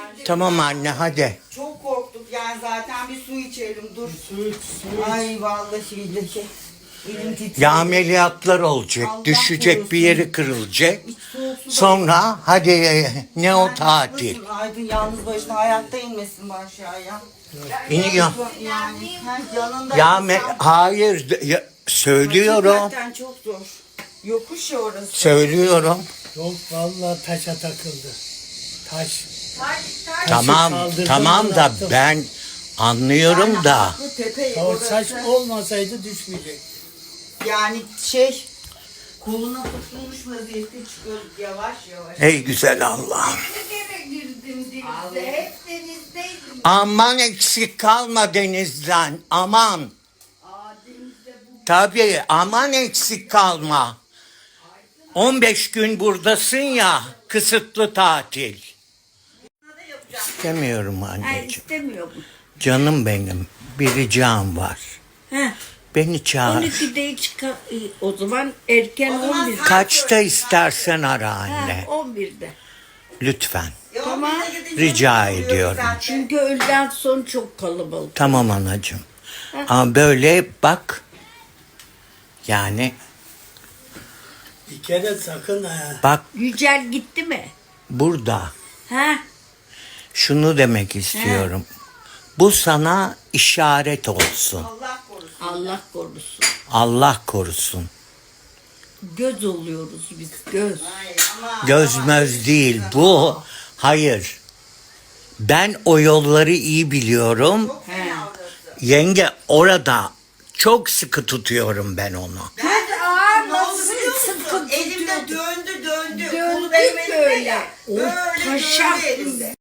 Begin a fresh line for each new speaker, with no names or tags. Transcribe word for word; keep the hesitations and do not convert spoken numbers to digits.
Tamam anne hadi.
Çok korktuk yani zaten bir su içelim dur.
Su iç, su iç.
Ay vallahi billahi. Elim titriyor.
Ya ameliyatlar olacak.
Allah
düşecek
korusun.
bir yeri kırılacak.
Hiç soğuk su da-
Sonra hadi ne o
Yani
tatil.
haklısın, Aydın yalnız başına hayatta inmesin bu aşağıya.
İniyor.
Yani her yanında.
Ya
insan-
me- hayır ya, söylüyorum.
Hakikaten çok zor. Yokuş ya orası.
Söylüyorum.
Yok vallahi taşa takıldı. Taş.
Tamam
kaldırdım,
tamam da
bıraktım.
ben anlıyorum
Yani
da.
haklı tepe
O taş
orası.
olmasaydı düşmeyecek.
Yani şey koluna tutulmuş vaziyette çıkıyorduk yavaş yavaş.
Ey güzel Allah'ım.
Hep denizdeydim.
Aman eksik kalma denizden. Aman. Tabii aman eksik kalma. on beş gün buradasın ya, kısıtlı tatil. İstemiyorum
Ha,
anneciğim.
istemiyorum.
Canım benim, bir ricam var.
Ha,
Beni çağır.
on ikide çıkar. O zaman erken
O zaman
on bir.
sen-
Kaçta istersen ara
Ha,
anne.
on birde.
Lütfen.
E,
Tamam.
on birde gidince
Rica
oluyor
ediyorum.
zaten.
Çünkü öğleden sonra çok kalabalık.
Tamam anacığım. Ama böyle bak. Yani
Bir kere sakın ha.
bak
Yücel gitti mi?
burada.
Ha?
Şunu demek istiyorum. Bu sana işaret olsun.
Allah korusun.
Allah korusun.
Allah korusun.
Göz oluyoruz biz, göz.
Hayır ama.
Göz
ama-
möz değil bu. Hayır. Ben o yolları iyi biliyorum.
Çok fena orası.
Yenge orada çok sıkı tutuyorum ben onu.
Ben
Aa,
ne
nasıl
oldu biliyor musun?
sıkı
Elimde
tutuyordun?
döndü döndü.
Döndü
Kolu benim elimde
böyle.
ya.
O
Böyle
taşak
döndü elimde.